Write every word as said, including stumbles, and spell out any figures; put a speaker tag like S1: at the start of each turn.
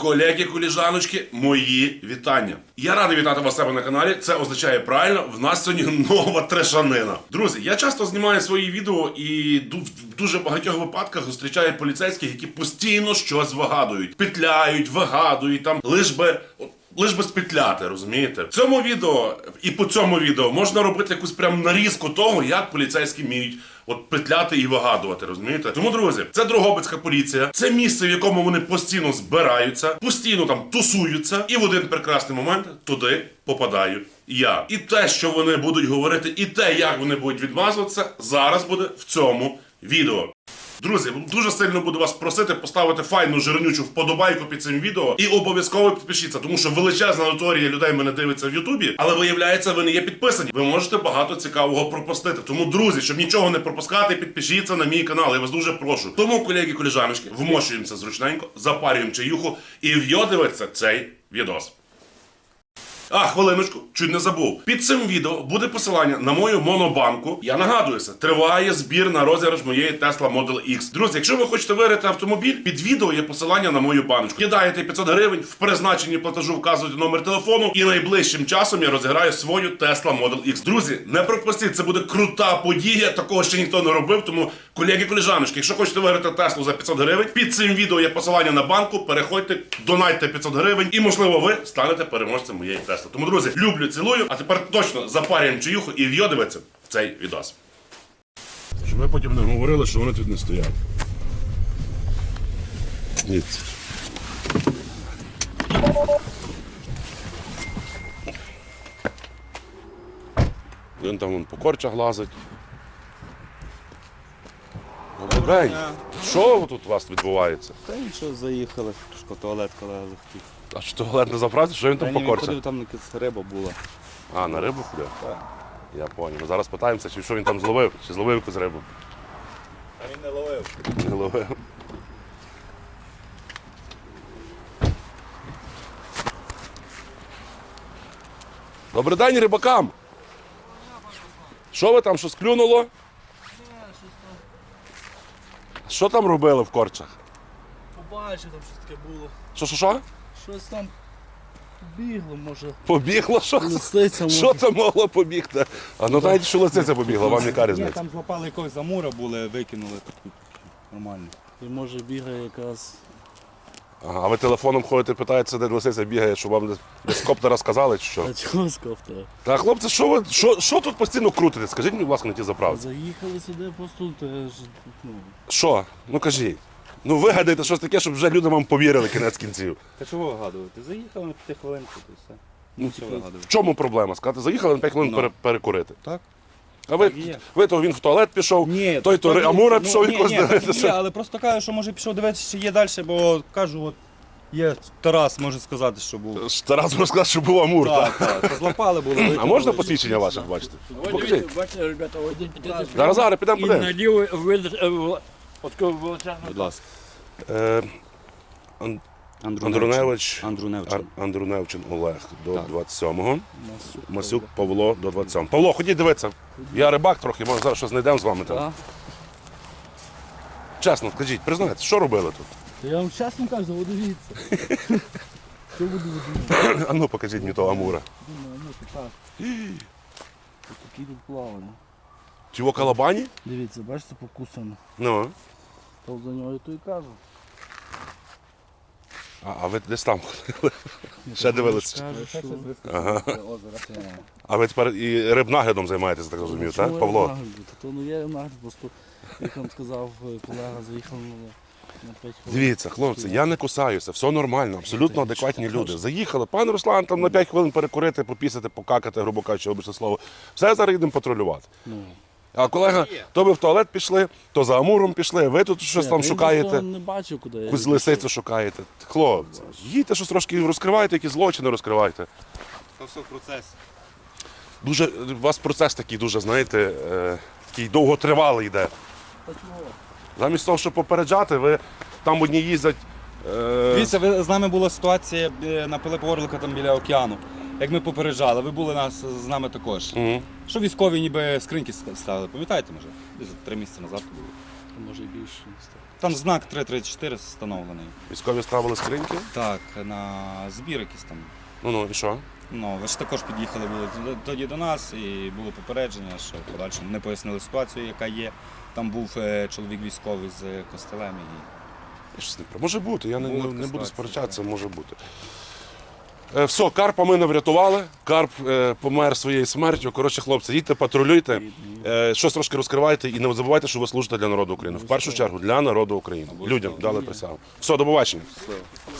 S1: Колеги, коліжаночки, мої вітання. Я радий вітати вас у себе на каналі. Це означає правильно, в нас сьогодні нова трешанина. Друзі, я часто знімаю свої відео і в дуже багатьох випадках зустрічаю поліцейських, які постійно щось вигадують. Петляють, вигадують, там, лиш би... Лиш би спетляти, розумієте? В цьому відео і по цьому відео можна робити якусь прям нарізку того, як поліцейські вміють от петляти і вигадувати, розумієте? Тому, друзі, це Дрогобицька поліція, це місце, в якому вони постійно збираються, постійно там тусуються, і в один прекрасний момент туди попадаю я. І те, що вони будуть говорити, і те, як вони будуть відмазуватися, зараз буде в цьому відео. Друзі, дуже сильно буду вас просити поставити файну жирнючу вподобайку під цим відео і обов'язково підпишіться, тому що величезна аудиторія людей мене дивиться в Ютубі, але виявляється, ви не є підписані. Ви можете багато цікавого пропустити. Тому, друзі, щоб нічого не пропускати, підпишіться на мій канал, я вас дуже прошу. Тому, колеги, коліжаночки, вмощуємося зручненько, запарюємо чаюху і вйодивиться цей відос. А, хвилиночку, чуть не забув. Під цим відео буде посилання на мою монобанку. Я нагадуюся, триває збір на розіграш моєї Tesla Model X. Друзі, якщо ви хочете виграти автомобіль, під відео є посилання на мою баночку. Кидаєте п'ятсот гривень, в призначенні платежу вказуєте номер телефону, і найближчим часом я розіграю свою Tesla Model X. Друзі, не пропустіть, це буде крута подія, такого ще ніхто не робив, тому, колеги, коліжаночки, якщо хочете виграти Теслу за п'ятсот гривень, під цим відео є посилання на банку, переходьте, донайте п'ятсот гривень, і, можливо, ви станете переможцем моєї Тесли. Тому, друзі, люблю, цілую, а тепер точно запарюємо чаюху і вйодивиться в цей відос. Щоб ви потім не говорили, що вони тут не стоять. Дивіться. Він там вон, по корчах лазить. Добрий день. Що тут у вас відбувається?
S2: Та нічого, заїхали, трошки туалет колега захотів.
S1: А що туалет не заправці? Що він там
S2: Та
S1: по
S2: ні,
S1: корчах?
S2: ходив, там якась риба була.
S1: А, на рибу ходив?
S2: Так.
S1: Я понял. Ми зараз питаємося, чи що він там зловив, чи зловив якусь рибу.
S2: А він не ловив.
S1: Не ловив. Добрий день рибакам! Що ви там, щось клюнуло? Що там робили в корчах?
S3: Побачив, там щось таке було.
S1: Що, що, що?
S3: Щось там бігло, може.
S1: Побігло? Що?
S3: Лисиця, може.
S1: Що там могло побігти? А ну знаєте, що лисиця побігла, вам яка
S2: Ні,
S1: різниця?
S2: там злопали якогось замура були, викинули таку нормально.
S3: І може бігає якраз.
S1: Ага, а ви телефоном ходите, питаєте, де лисиця бігає, щоб вам десь- десь з коптера сказали, чи що?
S3: А чого з кофтера?
S1: Та хлопці, що ви що, що тут постійно крутите? Скажіть мені, будь ласка, на ті заправці.
S3: Заїхали сюди просто теж. Ну,
S1: Що? Ну кажіть. Ну вигадайте щось таке, щоб вже люди вам повірили кінець кінців.
S2: Та чого вигадувати? Заїхали на п'яти хвилинку, то все. Ну, що
S1: В
S2: вигадувати?
S1: чому проблема? Сказати, заїхали на п'ять хвилин
S2: Ну.
S1: пере- перекурити.
S2: Так.
S1: А ви,
S2: Так і є.
S1: ви то він в туалет пішов,
S2: Ні,
S1: той то
S2: так,
S1: Амура
S2: ну,
S1: пішов
S2: ні,
S1: якось
S2: ні, так і
S1: дивитися.
S2: є, але просто кажу, що може пішов дивитися, чи є далі, бо кажу, от є Тарас, може сказати, що був.
S1: Тарас розказав, що був Амур.
S2: Так,
S1: Так.
S2: так, злопали були.
S1: А можна посвідчення ваше бачити? Покажіть.
S4: Бачите, ребята, один підійде
S1: Зараз, зараз, підемо
S4: і
S1: подивимось.
S4: наліво видати, от коли величезно.
S2: Будь ласка.
S1: Е, Ан-
S2: Андруневич.
S1: Андруневич,
S2: Андруневчин.
S1: Ар- Андруневчин Олег до
S2: Так.
S1: двадцять сьомого. Масюк Павло до двадцять сьомого. Павло, ходіть дивитися. Я рибак трохи, може зараз щось знайдемо з вами там.
S2: Так.
S1: Чесно, скажіть, признайтесь, що робили тут?
S3: то я вам чесно кажу, от дивіться. Що буду видумати?
S1: А ну покажіть мені того Амура.
S3: Думаю, ну то так. Ось такі тут плавали.
S1: Чого калабані?
S3: Дивіться, бачите, покусано.
S1: Ну.
S3: То за нього то і кажу.
S1: А, а ви десь там ходили? Ще дивилися?
S3: Кажу, що...
S1: Ага. А ви тепер і рибнаглядом займаєтеся, так розумію, так, Павло?
S3: То ну є нагляд, просто, як вам сказав колега, заїхав на, на п'ять хвилин.
S1: Дивіться, хлопці, я не кусаюся, все нормально, абсолютно адекватні люди. Заїхали, пане Руслан, там на п'ять хвилин перекурити, попісити, покакати, грубо кажучи, обичне слово. Все, зараз їдемо патрулювати.
S3: Ну.
S1: А колега, то ви в туалет пішли, то за Амуром пішли, ви тут щось
S3: Ні,
S1: там
S3: він
S1: шукаєте,
S3: просто не бачив, куди я
S1: якусь
S3: йду.
S1: лисицю шукаєте. Хлопці, їдьте щось трошки розкривайте, які злочини розкривайте.
S2: То все в процесі.
S1: Дуже, у вас процес такий дуже, знаєте, е, такий довготривалий йде.
S3: Та чого?
S1: Замість того, щоб попереджати, ви там одні їздять. Е...
S2: Дивіться, ви, з нами була ситуація е, на Пилипа Орлика там біля океану. Як ми попереджали, ви були нас з нами також.
S1: Угу.
S2: Що військові ніби скриньки ставили, пам'ятаєте, може? Десь три місяці назад було.
S3: а може і більше.
S2: Там знак три тридцять чотири встановлений.
S1: Військові ставили скриньки.
S2: Так, на збір якийсь там.
S1: Ну ну і що?
S2: Ну, ви ж також під'їхали були туди- тоді до нас і було попередження, що в подальшому не пояснили ситуацію, яка є. Там був е, чоловік військовий з костелем. І...
S1: Я щось не про- Може бути, я не,
S2: Була
S1: не,
S2: така
S1: не буду
S2: ситуація,
S1: сперечатися, може бути. Е, все, Карпа ми не врятували. Карп е, помер своєю смертю. Коротше, хлопці, їдьте, патрулюйте, е, щось трошки розкривайте і не забувайте, що ви служите для народу України. В першу чергу для народу України. Людям дали присягу. Все, до побачення.